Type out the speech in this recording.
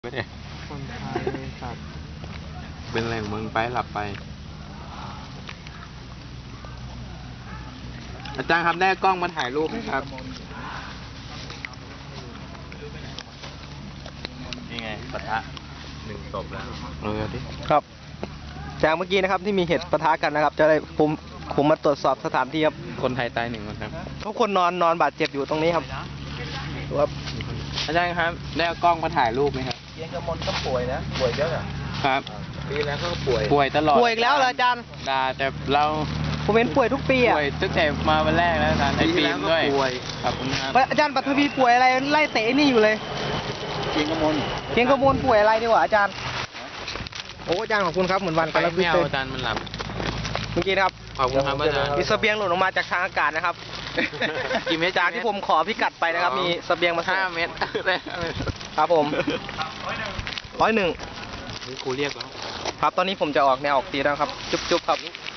ไม่ได้คนไทยสัตว์เป็นแหล่งเมืองไปหลับไป อาจารย์ครับได้กล้องมาถ่ายรูปไหมครับนี่ไงปะทะ1 ศพแล้วดิครับจากเมื่อกี้นะครับที่มีเหตุปะทะกันนะครับจะได้ผมมาตรวจสอบสถานที่ครับคนไทยตาย1 คนครับทุกคนนอนบาดเจ็บอยู่ตรงนี้ครับอาจารย์ครับได้กล้องมาถ่ายรูปไหมครับเย็นกระมนก็ป่วยนะป่วยเยอะอ่ะครับปีแล้วก็ป่วยตลอดป่วยอีกแล้วเหรออาจารย์แต่เราผมเห็นป่วยทุกปีอ่ะป่วยตั้งแต่มาวันแรกแล้วอาจารย์ในปีด้วยครับผมครับอาจารย์ปัทวีป่วยอะไรไล่เตะนี่อยู่เลยเกียงกระมนป่วยอะไรดีกว่าอาจารย์โอ้อาจารย์ขอบคุณครับเหมือนวันกันแล้วไม่เอาอาจารย์มันหลับเมื่อกี้นะครับขอบคุณครับอาจารย์มีเสบียงหล่นออกมาจากทางอากาศนะครับกี่เมตรจากที่ผมขอพิกัดไปนะครับมีเสบียงมา 5 เมตรครับผม101 ครูเรียกแล้วครับตอนนี้ผมจะออกแนวออกตีแล้วครับจุ๊บครับ